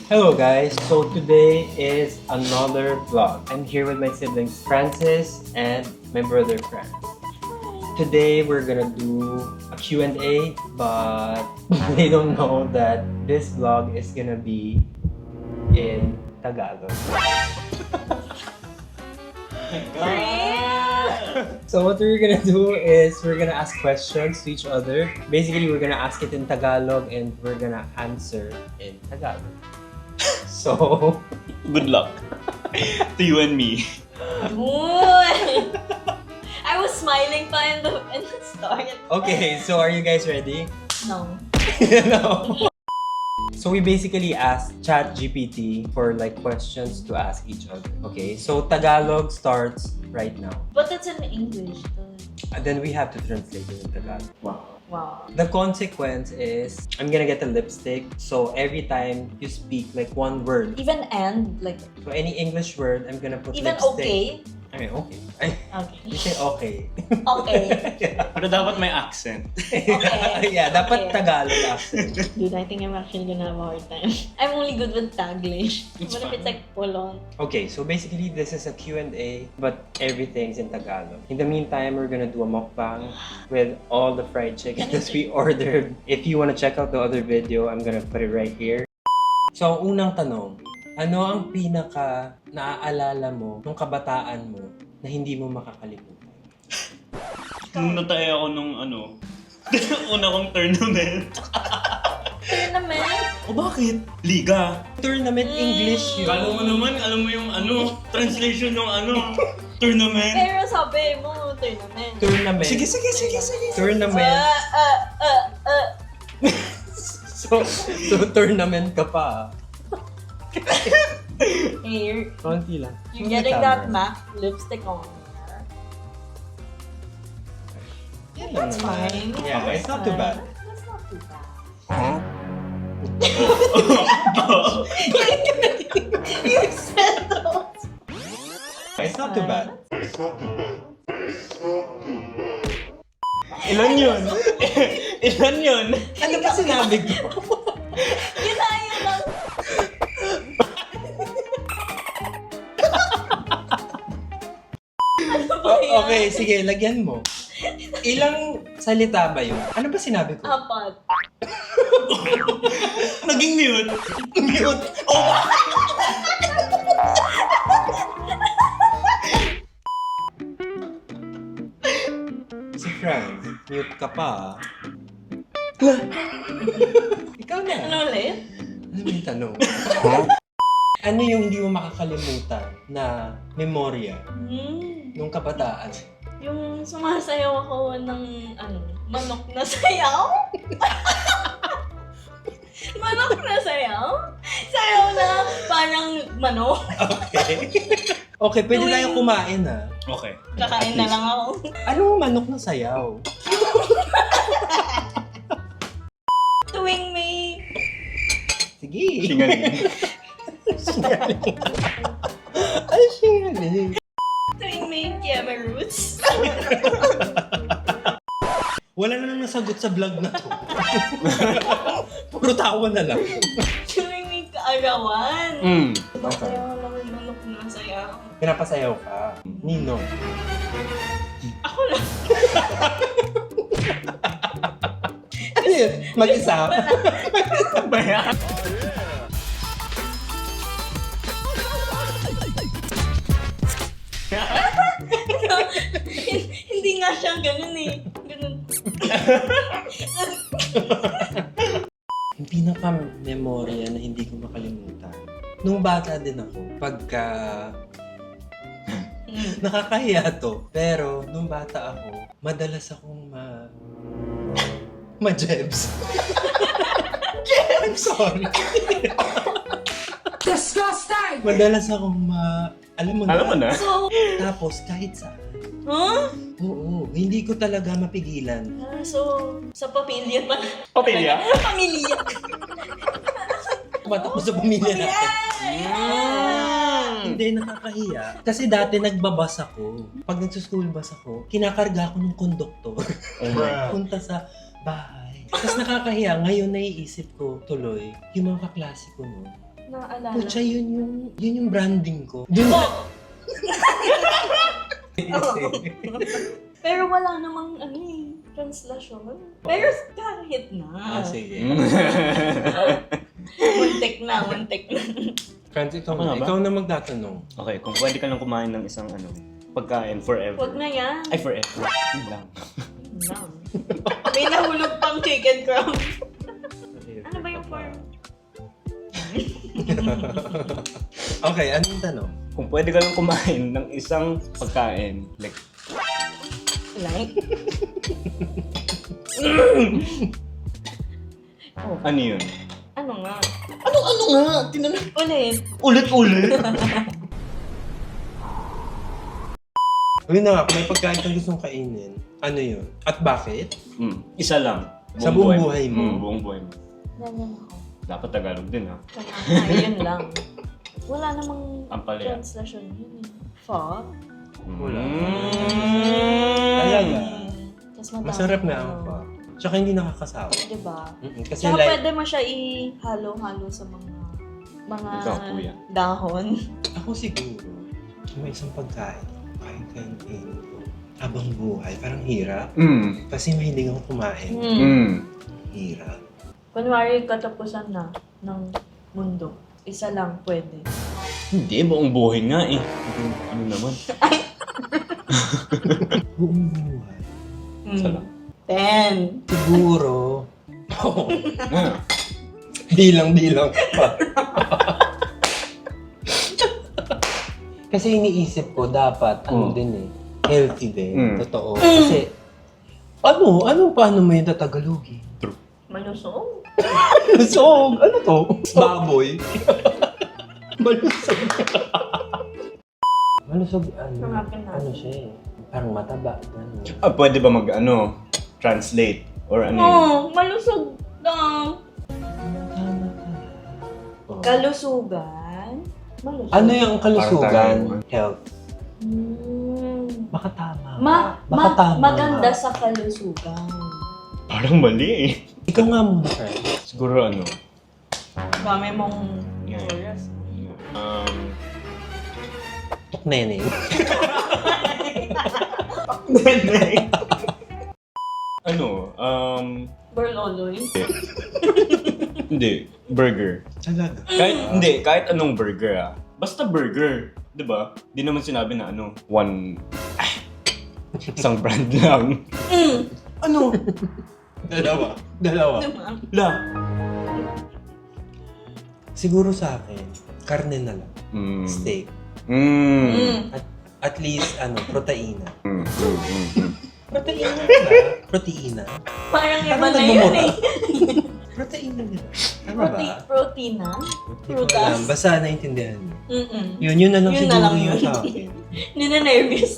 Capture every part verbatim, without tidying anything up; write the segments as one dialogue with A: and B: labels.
A: Hello guys, so today is another vlog. I'm here with my siblings Francis and my brother Franz. Today we're gonna do a Q and A, but they don't know that this vlog is gonna be in Tagalog. So what we're gonna do is we're gonna ask questions to each other. Basically, we're gonna ask it in Tagalog and we're gonna answer in Tagalog. So,
B: good luck to you and me.
C: Uy! I was smiling pa in the, in the start.
A: okay, so are you guys ready?
C: No.
A: No. So we basically asked ChatGPT for like questions to ask each other. Okay, so Tagalog starts right now.
C: But it's in English though.
A: And then we have to translate it in Tagalog.
B: Wow.
C: Wow.
A: The consequence is I'm gonna get a lipstick. So every time you speak like one word,
C: Even and, like,
A: so any English word, I'm gonna put
C: even
A: lipstick.
C: okay?
A: I mean, okay. I,
C: Okay.
A: you say okay.
C: Okay.
A: yeah.
B: Pero dapat may accent.
C: Okay.
A: yeah, dapat
C: Okay.
A: Tagalog accent.
C: Dude, I think I'm actually gonna have a hard time. I'm only good with Taglish.
B: It's
C: What if
B: fine.
C: it's like full on?
A: Okay, so basically this is a Q and A, but everything's in Tagalog. In the meantime, we're gonna do a mukbang with all the fried chicken that we ordered. If you wanna check out the other video, I'm gonna put it right here. So, ang unang tanong, ano ang pinaka naaalala mo nung kabataan mo na hindi mo makakalimutan?
B: Nung nataya ako nung ano, una kong tournament.
C: Tournament?
B: O bakit? Liga.
A: Tournament English yun.
B: Kala mo naman, alam mo yung ano, translation ng ano, tournament.
C: Pero sabi mo, tournament.
A: Tournament.
B: Sige, sige, sige, sige.
A: Tournament.
C: Uh, uh, uh, uh.
A: so, so, tournament ka pa.
C: Hey, you're,
A: Konti lang.
C: you're getting that MAC lipstick on.
A: Yan lang
C: That's
A: naman.
C: fine.
A: Yeah,
C: That's
A: it's not too
C: fine.
A: bad.
C: That's not too bad.
B: Huh?
C: You said those.
A: It's not too bad.
B: Ilan yun? Ilan yun?
A: Ano ba sinabi ko?
C: Yun na, yun lang. Ano ba yan?
A: Okay, sige, lagyan mo. Ilang salita ba yun? Ano ba sinabi ko?
C: Apat.
B: Naging mute.
A: Mute! Si Franz, mute ka pa. ah. Ikaw na.
C: Ano ulit?
A: Ano yung tanong? Ano yung hindi mo makakalimutan na memorya
C: Hmm.
A: nung kabataan?
C: Yung sumasayaw ako ng, ano, manok na sayaw? Manok na sayaw? Sayaw na parang manok?
A: Okay. Okay, pwede
C: Tuwing-
A: tayo kumain ah.
B: Okay.
C: Kakain na lang ako.
A: Anong manok na sayaw?
C: Tuwing may...
A: Sige.
B: Singaling.
A: Singaling. Ay, singaling.
C: Tuwing may kieme roots.
A: Wala na nang nasagot sa vlog na to. Puro tawa na lang.
C: Tuwing may kaagawan.
B: Mm.
C: Sayaw lang yung manok na sayaw.
A: Pinapasayaw ka. Nino.
C: Ako lang.
A: Ano yun? Mag-isa?
B: Ba yan?
C: Hindi nga siya ganun eh. Ganun.
A: Yung pinaka-memorya na hindi ko makalimutan. Nung bata din ako, pagka... Nakakahiya to. Pero, nung bata ako, madalas akong ma... Ma-jebs. I'm sorry.
C: Disgusting!
A: Madalas akong ma... Alam mo na.
B: Alam mo na?
C: So,
A: Tapos, kahit saan.
C: huh?
A: Oo, hindi ko talaga mapigilan.
C: Ah, so, sa pamilya pa.
B: Papilya?
C: Pamilya.
A: Ba't ako sa pamilya natin?
C: Yeah!
A: Hindi, nakakahiya. Kasi dati nagbabas ako. Pag nagsuschool bus ako, kinakarga ako ng konduktor. Punta sa bahay. Tapos nakakahiya, ngayon naiisip ko tuloy, yung mga kaklase ko noon,
C: Naaalala.
A: Pucha, yun yung, yun yung branding ko. Yun
C: Pero wala namang ano eh, translation. Pero kahit na.
A: Ah, sige.
C: Muntik na, muntik na.
A: Franz, ikaw,
B: Ako na ba?
A: ikaw na magtatanong.
B: Okay, kung pwede ka lang kumain ng isang ano, pagkain forever.
C: Huwag na yan.
B: Ay, forever. Yun lang.
C: Lang. May nahulog pang chicken crumb. Ano ba yung form?
A: Okay, ano yung tanong?
B: Kung pwede ka lang kumain ng isang pagkain, like,
C: Like? Oh,
B: ano yun?
C: ano nga?
B: Ano, ano nga? Tinanong.
C: Ulit.
B: Ulit-ulit?
A: Yun na nga, kung may pagkain kang gustong kainin, ano yun? At bakit?
B: Hmm, isa lang.
A: Sa buong buhay mo?
B: Hmm, buong buhay mo.
C: Ganyan ako.
B: Dapat Tagalog din, ha?
C: Kaya, yun lang. Wala namang
B: Ampalaya.
C: translation yun eh. Fuck.
A: Wala.
B: Mm.
A: Talaga?
C: Tapos madami
A: Masarap na
C: ano.
A: ang pa. Tsaka hindi nakakasawa.
C: Diba?
A: Mm-mm. Kasi
C: Tsaka
A: like,
C: pwede mo siya ihalo-halo sa mga mga
B: Ikaw, kuya.
C: dahon.
A: ako siguro, kung may isang pagkain, kahit kainin ko, habang buhay, parang hirap.
B: Mm.
A: Kasi mahilig ako kumain.
C: Hmm.
B: Mm.
A: Hirap.
C: Kunwari, katapusan na ng mundo. Isa lang pwede.
B: Hindi, buong buhay nga eh. Ano naman?
A: Buong buhay.
B: Isa lang.
C: Ten.
A: Siguro,
B: Ah.
A: bilang-bilang pa. Kasi iniisip ko, dapat, ano
B: Mm.
A: din eh, healthy din.
B: Mm.
A: Totoo. Kasi, ano, ano, paano mo yung tatagalogin?
C: Malusog.
A: Malusog! Ano to? Baboy. Malusog. Malusog, ano,
C: Hanapin natin.
A: ano siya eh. Parang mataba. Ano.
B: Ah, pwede ba mag, ano, translate? Or ano yun?
C: Oh, malusog daw.
A: Tama ka. Oh.
C: Kalusugan. Malusog.
A: Ano yung kalusugan?
B: Parang
A: Health.
C: Hmm.
A: Baka tama.
C: Ma,
A: Baka
C: ma,
A: tama.
C: maganda sa kalusugan.
B: Parang mali eh.
A: Ikaw nga muna, friend.
B: Siguro ano,
C: Dami mong
B: Yeah.
C: oras.
B: um,
A: Tukneneng.
B: ano, um,
C: Berloloy.
B: hindi, burger.
A: Talaga.
B: Kahit, hindi, kahit anong burger ah. Basta burger, di ba? Di naman sinabi na ano, one, isang brand lang.
C: Mm.
B: Ano?
A: Dalawa. Dalawa.
C: Diba?
B: La.
A: Siguro sa akin, karne na lang.
B: Mm.
A: Steak.
B: Mm.
C: Mm.
A: At, at least, ano, proteina.
B: Mm. Mm. Mm.
A: Proteina nila. Proteina.
C: Parang iba
A: Parang
C: na yun
A: nagmumura.
C: eh.
A: Proteina nila. Tama
C: Prote
A: ba?
C: protein na?
A: Hindi ko alam.
C: Prutas?
A: Basta naintindihan mo.
C: Mm-mm.
A: Yun, yun na lang
C: Yun na
A: siguro
C: lang
A: yung
C: yun.
A: sa akin.
C: Nina-nervous.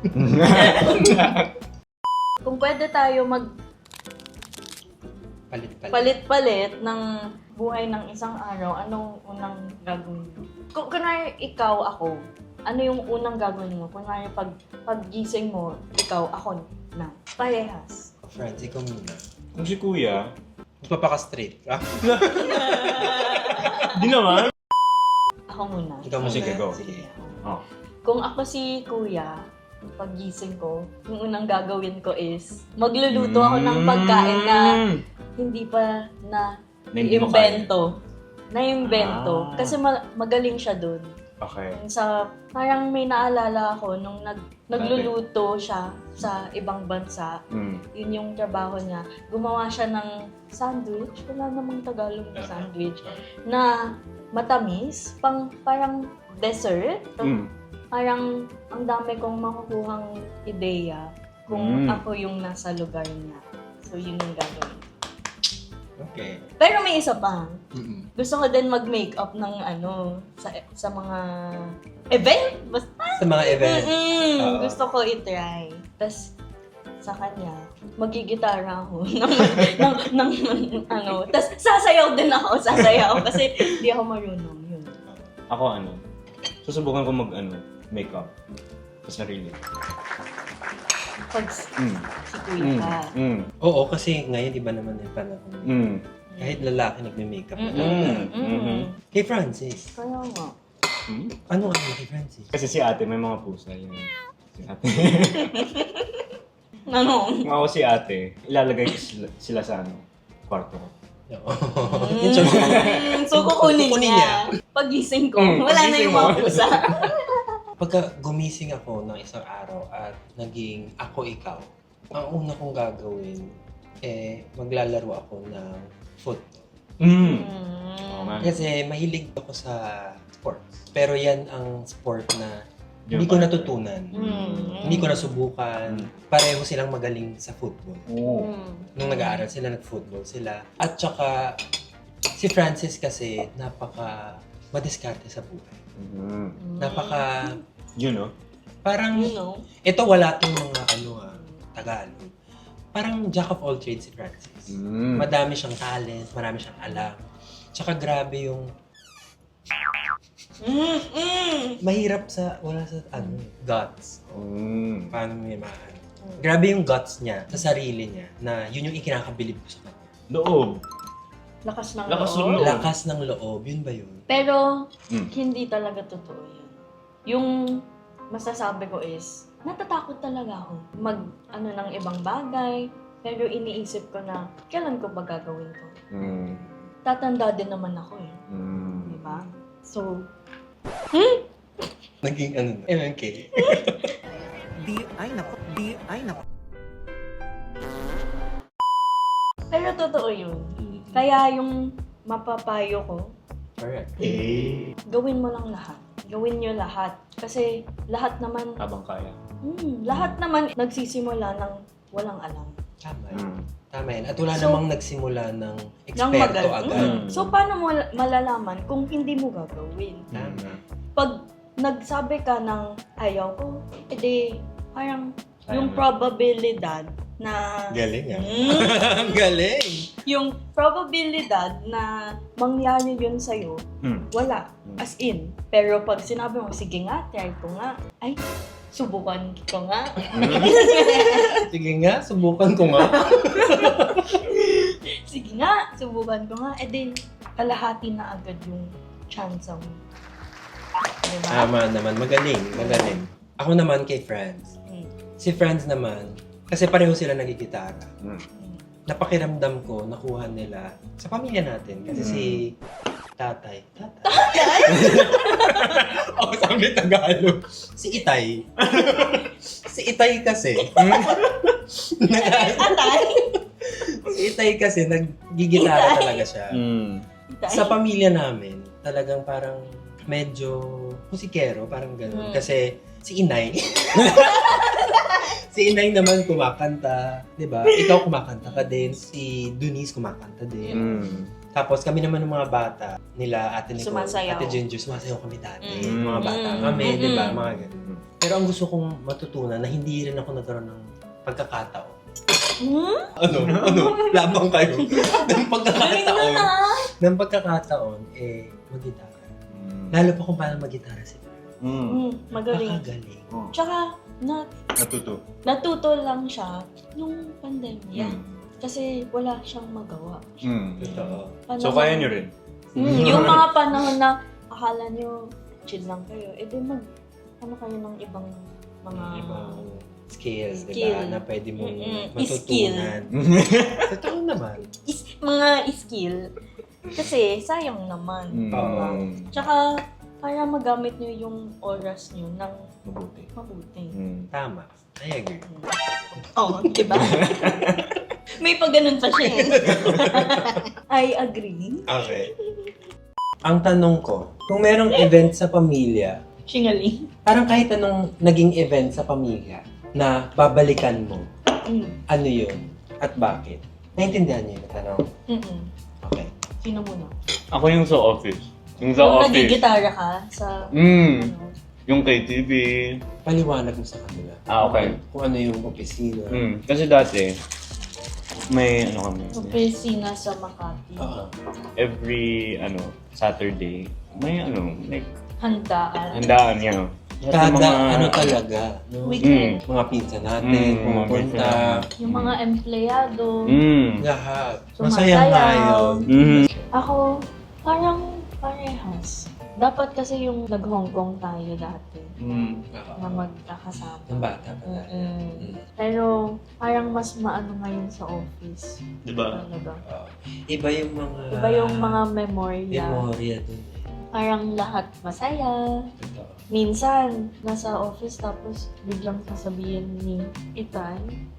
C: Kung pwede tayo mag
A: Palit-palit.
C: palit-palit ng buhay ng isang araw, anong unang gagawin mo? Kung kunwari ikaw, ako, ano yung unang gagawin mo? Kunwari pag paggising mo, ikaw, ako na. Parehas.
A: Friends, ikaw muna.
B: Kung si kuya,
A: Magpapaka-straight. Ah,
B: di naman.
C: Ako muna.
A: ikaw muna.
B: Sige, go.
A: Sige.
B: Oh.
C: Kung ako si kuya, paggising ko, yung unang gagawin ko is magluluto ako ng pagkain na hindi pa na
B: Na hindi mo
C: imbento. Na-imbento.
B: Ah.
C: Kasi ma- magaling siya dun.
B: Okay.
C: Sa, parang may naalala ako nung nag, nagluluto siya sa ibang bansa.
B: Mm.
C: Yun yung trabaho niya. Gumawa siya ng sandwich. Wala namang Tagalog na sandwich. Na matamis. Pang, parang dessert.
B: Mm.
C: Parang ang dami kong makukuhang ideya kung
B: Mm.
C: ako yung nasa lugar niya. So, yun yung gagawin.
A: Okay.
C: Pero may isa pa.
A: Mm-mm.
C: Gusto ko din mag-makeup ng ano, sa sa mga event. Basta.
A: Sa mga event.
C: Mm-mm.
A: Oo.
C: Gusto ko i-try. Tapos, sa kanya, magigitara ako ng, ng, ng, ng, ano. Tapos, sasayaw din ako. Sasayaw. Kasi, di ako marunong. Yun.
B: Ako ano, susubukan ko mag ano, makeup sa sarili.
C: Pag si
B: Mm.
C: si kuya
B: Mm.
C: ka.
B: Mm.
A: Oo, kasi ngayon iba naman yung panahon.
B: Mm.
A: Kahit lalaki nagme-makeup.
C: Mm-mm.
B: Mm.
C: Mm-mm.
B: Mhm.
A: Kay Francis,
C: Kaya nga.
B: Hmm?
A: ano ang kay Francis?
B: Kasi si ate may mga pusa yun. Si ate.
C: Ano?
B: Kung ako si ate, ilalagay ko sila, sila sa ano, kwarto ko.
A: Oo. Yung sabi ko,
C: Mm, so kukunin,
A: Kukunin
C: niya. Pagising ko,
B: Mm,
C: wala na
B: pagising
C: yung mga
B: mo.
C: pusa.
A: pagka gumising ako ng isang araw at naging ako ikaw, ang una kong gagawin, eh, maglalaro ako ng football.
B: Mm.
C: Mm.
B: Oo nga.
A: Kasi mahilig ako sa sports. Pero yan ang sport na
B: Di
A: hindi
B: ba
A: ko
B: pa-
A: natutunan.
C: Mm.
A: Hindi ko nasubukan. Pareho silang magaling sa football.
B: Oo.
C: Mm.
A: Nung nag-aaral sila, nag-football sila. At saka, si Francis kasi, napaka madiskarte sa buhay.
B: Mm.
C: Mm.
A: Napaka,
B: Yun, no?
A: parang,
C: You know?
A: ito wala tong mga ano ah, Tagalog. Parang jack of all trades si Francis.
B: Mm.
A: Madami siyang talent, marami siyang alam. Tsaka grabe yung
C: Mm, mm.
A: mahirap sa, wala sa ano, guts.
B: Mm.
A: Paano mo yung maano. Grabe yung guts niya sa sarili niya na yun yung ikinakabilib ko sa kanya.
B: Loob.
C: Lakas ng
B: Lakas ng
C: loob.
B: loob.
A: Lakas ng loob, yun ba yun?
C: Pero,
B: Mm.
C: hindi talaga totoo yun. Yung masasabi ko is, natatakot talaga ako mag, ano, ng ibang bagay. Pero iniisip ko na, kailan ko ba gagawin to?
B: Mm.
C: Tatanda din naman ako eh.
B: Mm.
C: Di ba? So,
A: Naging ano na, M M K.
D: Di, ay nako, di, ay nako.
C: pero totoo yun. Kaya yung mapapayo ko,
A: Correct.
B: Eh.
C: gawin mo lang lahat. Gawin nyo lahat. Kasi lahat naman,
B: Habang kaya.
C: hmm, lahat naman nagsisimula ng walang alam.
A: Tama yun.
B: Mm.
A: Tama yun. At wala
C: So,
A: namang nagsimula ng
C: Nang
A: eksperto
C: magal-
A: agad.
C: Mm. So, paano mo malalaman kung hindi mo gagawin?
A: Tama.
C: Pag nagsabi ka ng ayaw ko, edi parang
B: Ayaw
C: yung
B: mo.
C: probabilidad na
A: Galing ah.
C: Mm,
A: Galing!
C: yung probabilidad na mangyari yun sa'yo,
B: Mm.
C: wala. As in. Pero pag sinabi mo, sige nga, try ko nga. Ay, subukan ko nga.
A: Sige nga, subukan ko nga.
C: Sige nga, subukan ko nga. E din, kalahati na agad yung chance mo. Diba?
A: Tama naman. Magaling. Magaling. Ako naman kay Franz.
C: Mm.
A: Si Franz naman, kasi pareho sila nagigitara.
B: Mm.
A: Napakiramdam ko, nakuha nila sa pamilya natin. Kasi
B: Mm.
A: si tatay. Tatay? Ako sabi Tagalog. Si Itay. si Itay kasi. nag-
C: Atay!
A: si Itay kasi, naggigitara talaga siya.
B: Mm.
A: Sa pamilya namin, talagang parang medyo musikero, parang
C: Mm.
A: gano'n. Kasi si Inay, si Inay naman kumakanta, di ba? Ikaw kumakanta ka din, si Dunice kumakanta din.
B: Mm.
A: Tapos kami naman ng mga bata, nila Ate Nicole,
C: Sumasayaw.
A: Ate Ginger, sumasayaw kami dati.
B: Mm.
A: Mga bata
C: Mm.
A: kami, di ba?
C: Mm.
A: Mga ganun. Pero ang gusto kong matutunan na hindi rin ako nagkaroon ng pagkakataon.
C: Hmm?
A: Ano? Ano? Labang kayo. ng
C: Galing
A: pagkakataon.
C: nun ah!
A: ng pagkakataon, eh, mag-gitara. Lalo pa kung paano mag-gitara si Franz.
B: Mm.
C: Hmm, magaling.
A: Napakagaling.
B: Oh.
C: Tsaka, na,
B: Natuto.
C: natuto lang siya nung pandemya.
B: Mm.
C: Kasi wala siyang magawa.
B: Mm.
A: Totoo.
C: Panahon-
B: So, kaya nyo rin?
C: Hmm, yung mga panahon na akala nyo chill lang kayo, eh di mag, ano kayo ng ibang mga...
A: Ibang skills, di
C: Skill.
A: ba? Na pwede mong
C: Mm-mm.
A: matutunan. Totoo naman.
C: Is, mga skill. Kasi sayang naman.
B: Mm.
A: Oo.
C: Tsaka, para magamit nyo yung oras nyo ng
B: Mabuti.
C: mabuti.
B: Mm.
A: Tama. I agree.
C: Oo, oh, di ba? May pag ganun pa siya eh. I agree.
A: Okay. Ang tanong ko, kung merong event sa pamilya,
C: Singaling.
A: parang kahit anong naging event sa pamilya na babalikan mo,
C: Mm.
A: ano yun? At bakit? Naintindihan niyo yung tanong?
C: Mm-mm.
A: Okay.
C: Sino muna?
B: Ako yung sa office. Yung sa
C: Kung
B: office.
C: nagigitara ka sa...
B: Mm.
C: Ano,
B: Yung K T V.
A: Paliwanag mo sa kanila.
B: Ah, okay.
A: Kung ano yung opisina.
B: Mm. Kasi dati, may ano kami.
C: opisina sa Makati.
A: Oo.
B: Every, ano, Saturday, may ano, like,
C: Handaan.
B: handaan niya. Lahat ng
E: Kada
B: mga-
E: ano talaga, no?
C: Weekend.
B: Mm.
E: Mga pinsan natin,
B: Mm,
E: pumupunta.
C: Yung mga empleyado.
B: Mm.
E: Lahat.
C: Sumasayaw.
E: Masaya nga yun.
B: Mhm.
C: Ako, parang parehas. Dapat kasi yung nag-Hong Kong tayo dati
B: Mm.
C: na magkakasama.
E: Ng bata pa tayo.
C: Mm-mm.
E: Mm.
C: Pero parang mas maano ngayon sa office.
B: Diba?
C: Talaga.
E: Oo. Iba yung mga...
C: Iba yung mga memorya.
E: Memorya dun eh.
C: Parang lahat masaya.
E: Totoo.
C: Minsan, nasa office tapos biglang sasabihin ni Itan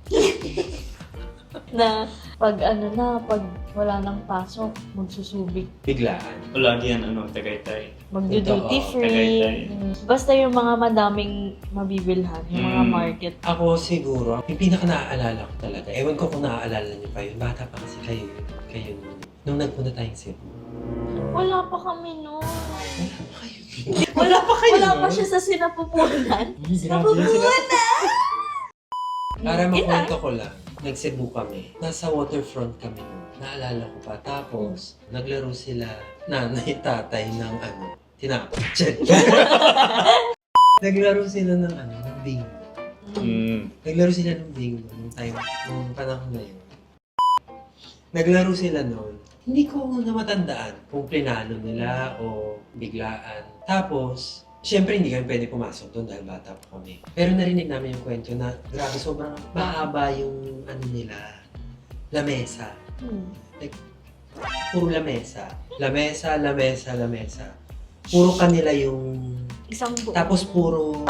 C: na pag ano na, pag wala nang pasok, magsusubik.
E: Biglaan.
B: O lagi yan, ano, Tagaytay.
C: Magdo-duty
E: Totoo,
C: free.
B: Tagaytay.
C: Mm. Basta yung mga madaming mabibilhan, yung mga
B: Mm.
C: market.
E: Ako siguro, yung pinaka naaalala ko talaga, ewan ko kung naaalala niyo pa yun, bata pa kasi kayo, kayo nun. Nung nagpunta tayong Cebu.
C: Wala pa kami noon.
E: Wala pa kayo.
C: Wala pa
E: kayo
C: Wala pa
E: nun?
C: siya sa sinapupunan.
E: Ay, grabe yun sila. Para makwento ko lang, nag-Cebu kami. Nasa waterfront kami nun. Naalala ko pa. Tapos, naglaro sila nanay, tatay ng ano, tinapos. Check. Naglaro sila ng ano, ng bingo.
B: Mm.
E: Naglaro sila ng bingo nung time, nung panahon na yun. Naglaro sila noon. Hindi ko na matandaan kung plinano nila o biglaan. Tapos, syempre hindi kami pwede pumasok doon dahil bata pa kami. Pero narinig namin yung kwento na grabe, sobrang mahaba yung ano nila, lamesa.
C: Hmm.
E: Puro lamesa. Lamesa, lamesa, lamesa. Puro kanila yung...
C: Isang buo.
E: Tapos puro...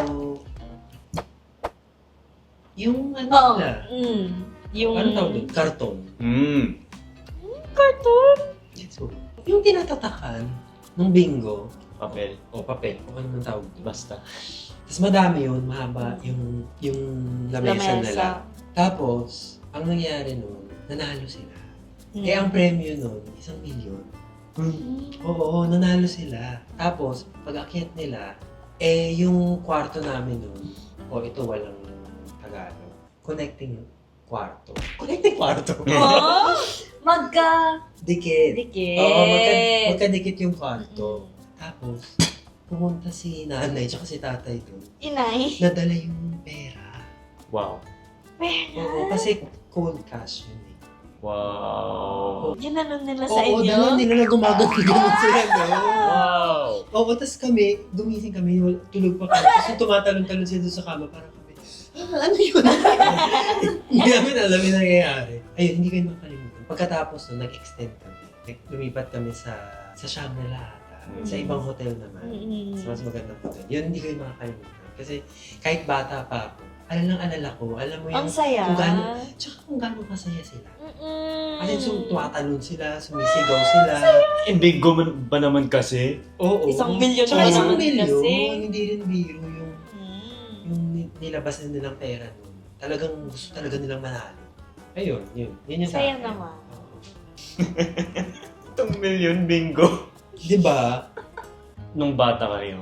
E: Yung ano
C: Oo.
E: nila.
C: Mm. Yung...
E: Ano tawag doon? Karton.
B: Mm.
C: Cartoon?
E: So, yung tinatatakan ng bingo,
B: Papel.
E: o papel, o ano man tawag doon.
B: Basta.
E: Tapos madami yun, mahaba yung, yung lamesa, nila. Tapos, ang nangyari nun, nanalo sila.
C: Mm.
E: Eh, ang premyo nun, isang milyon.
C: Mm.
E: Oo, nanalo sila. Tapos, pag akyat nila, eh, yung kwarto namin nun, o ito walang Tagalog, connecting kwarto. Connecting kwarto?
C: Oh, magka...
E: Dikit.
C: Dikit.
E: Oo, magka, magkadikit yung kwarto. Tapos, pumunta si nanay tsaka si tatay doon.
C: Inay.
E: Nadala yung pera.
B: Wow.
E: Oo, kasi cold cash yun eh.
B: Wow.
C: Ginanon nila sa
E: Oo,
C: inyo?
E: dala nila na gumagano sila, no?
B: Wow.
E: Oo, tapos kami, gumising kami, wal- tulog pa kami. Tapos yung tumatalon-talon sila doon sa kama, parang kami, ah, ano yun? Hindi namin alam yung nangyayari. Ayun, hindi kayo makalimutan. Pagkatapos nun, nag-extend kami. Nag- Lumipat kami sa sa Shangri-La ata.
B: Mm.
E: Sa ibang hotel naman.
C: Mm-mm.
E: Sa mas magandang hotel. Yun, hindi kayo makakalimutan. Kasi kahit bata pa ako, alam lang alala ko, alam mo yung...
C: Ang saya.
E: Kung gaano, tsaka kung gaano kasaya sila.
C: Mm-mm.
E: Kasi so, tumatalon sila, sumisigaw sila.
B: Eh, bigo man ba naman kasi?
E: Oo.
C: Isang milyon
E: Tsaka
C: pa
E: isang
C: naman
E: milyon,
C: kasi.
E: hindi rin biro yung,
C: Mm.
E: yung ni- nilabas na nilang pera nun. Talagang gusto talaga nilang manalo. Ayun, yun. Yun yung sa
C: Saya
E: akin.
C: naman.
E: Oo.
B: Itong million bingo.
E: Di ba?
B: Nung bata kayo,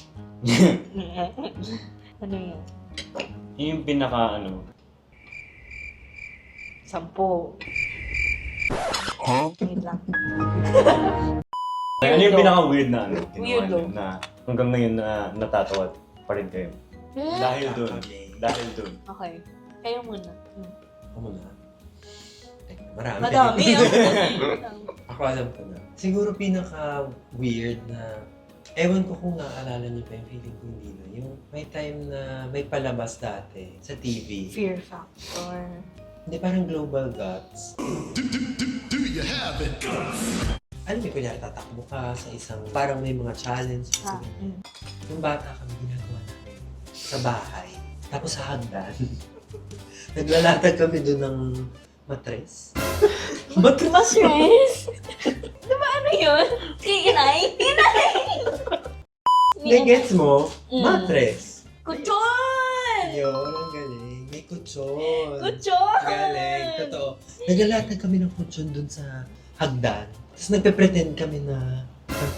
C: Ano yun?
B: yun yung pinaka ano,
C: Sampo. Wait lang.
B: ano yung pinaka weird na ano, ginawa
C: Weirdo.
B: niyo na hanggang ngayon na natatawa pa rin kayo.
C: Hmm?
B: Dahil dun.
E: Kami.
B: Dahil dun.
C: Okay. Kayo muna. Hmm.
E: Ako muna. Teka, marami.
C: Madami. ah.
E: Ako alam ko na. Siguro pinaka-weird na, ewan ko kung naaalala niyo pa yung feeling ko hindi na. Yung may time na may palabas dati sa T V.
C: Fear factor.
E: Hindi, parang Global Gods.
F: Do you have it?
E: Alam mo, kunyari tatakbo ka sa isang, parang may mga challenge.
C: Ha?
E: Kasi,
C: Mm.
E: Nung bata kami, ginagawa namin sa bahay. Tapos sa hagdan. Naglalatag kami doon ng matres.
C: Ba't mas-stress? Di ba ano yun? Si Inay? Inay!
E: Hindi, gets mo?
C: Mm.
E: Matres.
C: Kuchon!
E: Yun, ang galing. May kutsyon.
C: Kuchon!
E: Galing, totoo. Naglalatag kami ng kutsyon doon sa hagdan. Tapos nagpe-pretend kami na...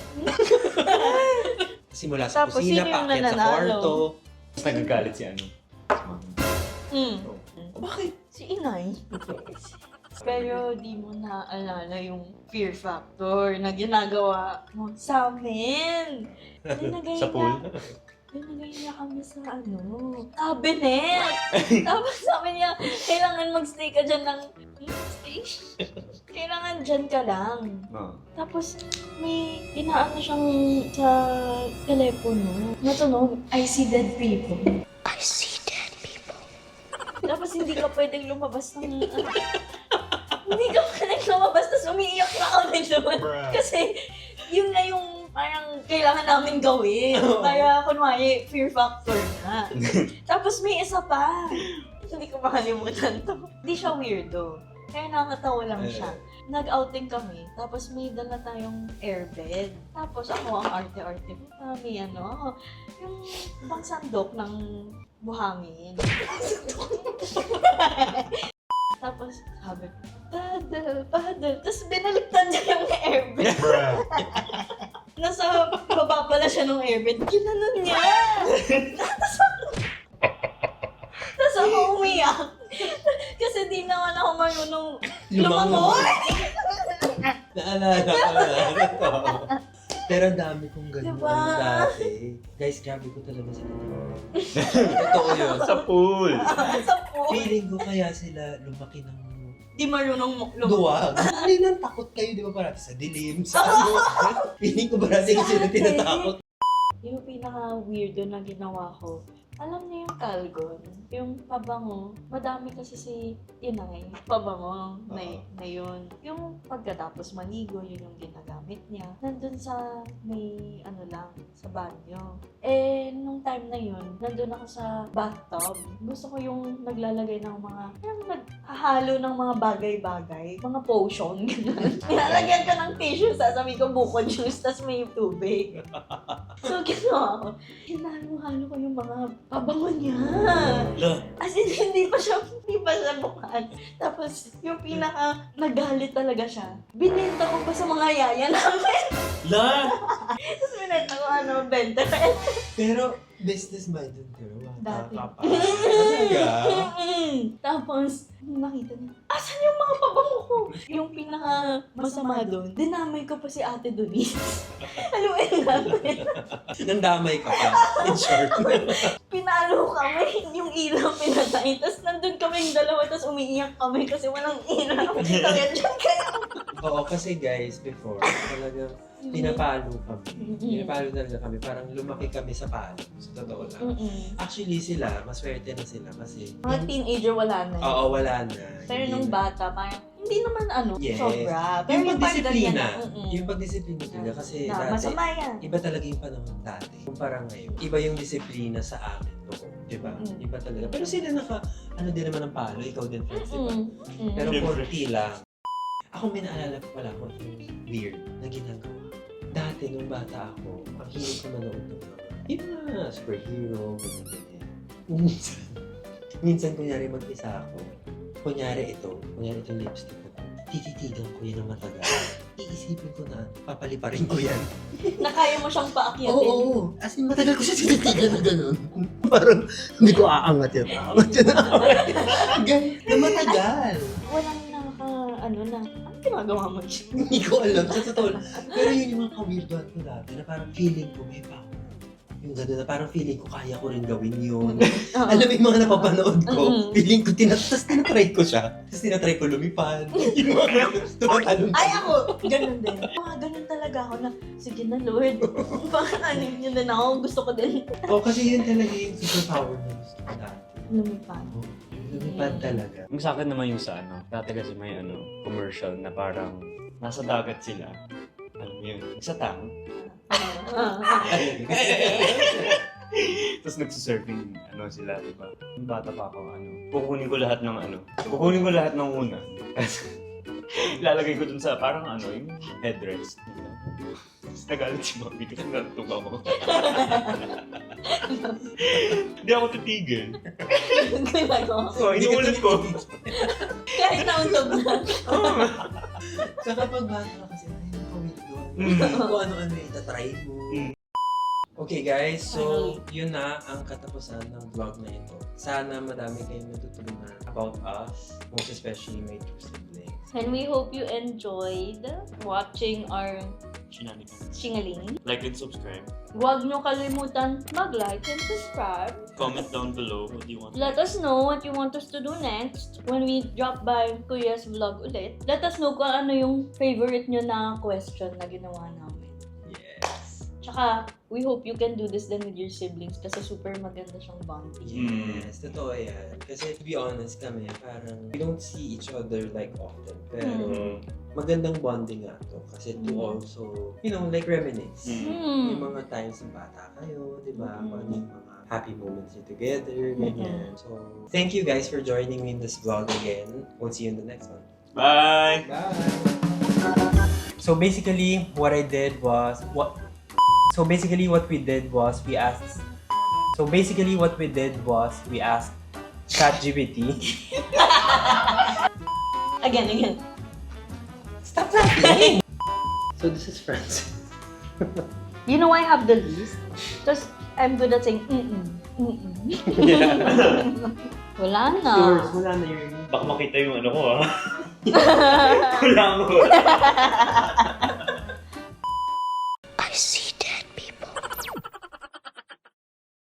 E: Simula sa
C: Tapos,
E: kusina,
C: sino yung
E: paakyat sa
C: nananalo?
E: kwarto.
B: Tapos nagagalit si ano.
C: Mm.
E: Bakit?
C: Si Inay. Pero di mo naaalala yung fear factor na ginagawa mo sa amin. Nilagay
B: Sa pool.
C: na- Ay, nagayon na kami sa ano, cabinet. Tapos sabi niya, kailangan magstay ka dyan ng, hmm, stay? Kailangan dyan ka lang.
B: Oh.
C: Tapos may inaano siyang sa telepono. Natunog, I see dead people.
F: I see dead people.
C: Tapos hindi ka pwedeng lumabas ng... ano, hindi ka pwedeng lumabas, tapos umiiyak na kami doon. Kasi yun na yung parang kailangan namin gawin. Kaya kunwari, fear factor na. Tapos may isa pa. Hindi ko makalimutan to. Hindi siya weirdo. Kaya nakakatawa lang siya. Nag-outing kami, tapos may dala tayong airbed. Tapos ako ang arte-arte. May ano, yung pangsandok ng buhangin. Tapos sabi ko, paddle, paddle. Tapos binaliktad niya yung airbed. Nasa baba pala siya ng airbed. Ginanon niya. Tapos tapos ako umiyak. Kasi di naman ako marunong lumangoy.
E: Naalala ko na to. Pero ang dami kong ganun
C: Diba?
E: dati. Guys, grabe ko talaga sila. Totoo yun.
B: Sa pool.
C: Sa pool.
E: Feeling ko kaya sila lumaki ng
C: Di marunong mo- lumangoy.
E: duwag. Ano nang takot kayo, di ba parati sa dilim, sa ano. Feeling ko parati kasi sila tinatakot.
C: Yung pinaka-weirdo na ginawa ko, alam niyo yung Calgon, yung pabango, madami kasi si Inay, pabango na, na yun. Yung pagkatapos maligo, yun yung ginagamit niya. Nandun sa may ano lang, sa banyo. Eh, nung time na yun, nandun ako sa bathtub. Gusto ko yung naglalagay ng mga, yung naghahalo ng mga bagay-bagay, mga potion, gano'n. Nilalagyan ka ng tissue, sasabi ko buko juice, tas may tubig. So, ginawa ko, hinalo-halo ko yung mga pabango niya. As in, hindi pa siya, hindi pa siya bukan. Tapos, yung pinaka nagalit talaga siya, binenta ko pa sa mga yaya namin.
E: La!
C: Tapos binenta ko, ano, benta.
E: Pero, business-minded ka naman.
C: Dati.
E: Talaga?
C: Tapos, nung nakita niya, asan yung mga pabango ko? Yung pinaka masama doon, dinamay ko pa si Ate Denise. Haluin natin.
E: Nandamay ka pa. In short.
C: Pinalo kami, yung ilaw pinatay. Tapos nandun kami yung dalawa, tapos umiiyak kami kasi walang ilaw. Kaya dyan kayo.
E: Oo, kasi guys, before, talagang pinapalo kami.
C: Mm-mm.
E: Pinapalo talaga kami. Parang lumaki kami sa palo. Sa totoo lang.
C: Mm-mm.
E: Actually, sila, maswerte na sila kasi...
C: Mga teenager wala na.
E: Oo, wala na.
C: Pero
E: Hindi
C: nung
E: na.
C: bata, parang hindi naman ano,
E: Yes.
C: sobra. Pero
E: Yung
C: yung parang
E: pagdisiplina.
C: ganyan, mm-mm.
E: Yung pagdisiplina talaga kasi
C: na,
E: dati,
C: masama yan.
E: iba talaga yung panahon dati. Kumpara ngayon, iba yung disiplina sa amin noon. Diba?
C: Mm.
E: Iba talaga. Pero sila naka, ano din naman ng palo, ikaw din, friends, diba?
C: Mm-mm. Mm.
E: Pero
B: Siyempre.
E: forty lang. Ako may naalala ko pala ako yung weird na ginagawa. Dati nung bata ako, ang hilig ko manood ng mga yung mga superhero, ganyan, ganyan. Minsan, minsan kunyari mag-isa ako, kunyari ito, kunyari itong lipstick ko, tititigan ko yan ng matagal. Iisipin ko na, papaliparin ko yan.
C: Na kaya mo siyang paakyatin.
E: Oo, oo. As in, matagal ko siya tinitigan na gano'n. Parang, hindi ko aangat yan. Aangat yan. Gan- na matagal.
C: Walang nakaka, ano na, ano ginagawa mo dyan?
E: Hindi ko alam, sa totoo lang. Pero yun yung mga ka-weirdoan ko dati na parang feeling ko may power. Yung gano'n na parang feeling ko kaya ko rin gawin yun.
C: Oo.
E: Alam mo yung mga napapanood ko,
C: Mm-mm.
E: feeling ko, tinat tapos tinatry ko siya. Tapos tinatry ko lumipad. Yung mga tumatalong.
C: Ay, ako! Ganun din. Mga ganun talaga ako na, sige na Lord, bakit ano yun din ako, gusto ko din.
E: Oo, kasi yun talaga yung superpower na gusto ko dati.
C: Lumipad.
E: Oo, lumipad talaga.
B: Yung sa akin naman yung sa ano, dati kasi may ano, commercial na parang nasa dagat sila. Alam mo yun, sa tang.
C: Ah, ah, ah.
B: Tapos nagsisurfing, ano sila, di ba? Yung bata pa ako, ano, kukunin ko lahat ng ano, kukunin ko lahat ng una. Ilalagay ko dun sa parang ano, yung headrest. Tapos nagalit si Mami kasi natutog ako. Hindi ako titigil.
C: Ginagawa ko.
B: So, inuulit ko.
C: Kahit nauntog na.
E: Saka pag bata ka kasi, ay, nakawirdoan.
B: Mm.
E: Kung ano-ano yung itatry mo.
B: Mm.
E: Okay guys, so yun na ang katapusan ng vlog na ito. Sana madami kayong natutunan about us, most especially my two siblings.
C: And we hope you enjoyed watching our
B: Shenanigans.
C: Singaling.
B: Like and subscribe.
C: Huwag nyo kalimutan mag-like and subscribe.
B: Comment down below what you want.
C: Let us know what you want us to do next when we drop by Kuya's vlog ulit. Let us know kung ano yung favorite nyo na question na ginawa namin.
E: Yes.
C: Tsaka, we hope you can do this then with your siblings kasi super maganda siyang bonding.
E: Yes, totoo yan. Kasi to be honest kami, parang we don't see each other like often. Pero
B: Mm.
E: magandang bonding nga to. Kasi to
C: Mm.
E: also, you know, like reminisce.
B: Mm.
C: Hmm.
E: Yung mga times ng bata kayo, di ba?
C: Mm.
E: Kung ano yung mga happy moments you together, ganyan. So, thank you guys for joining me in this vlog again. We'll see you in the next one.
B: Bye!
E: Bye!
A: So basically, what I did was what. So basically, what we did was we asked. So basically, what we did was we asked ChatGPT.
C: Again, again.
A: Stop laughing. So this is Francis.
C: You know I have the list? Just, I'm good at saying, mm-mm, mm-mm. Wala na.
E: Yours, wala na yun.
B: Baka makita yung ano ko ah. Kulang ko.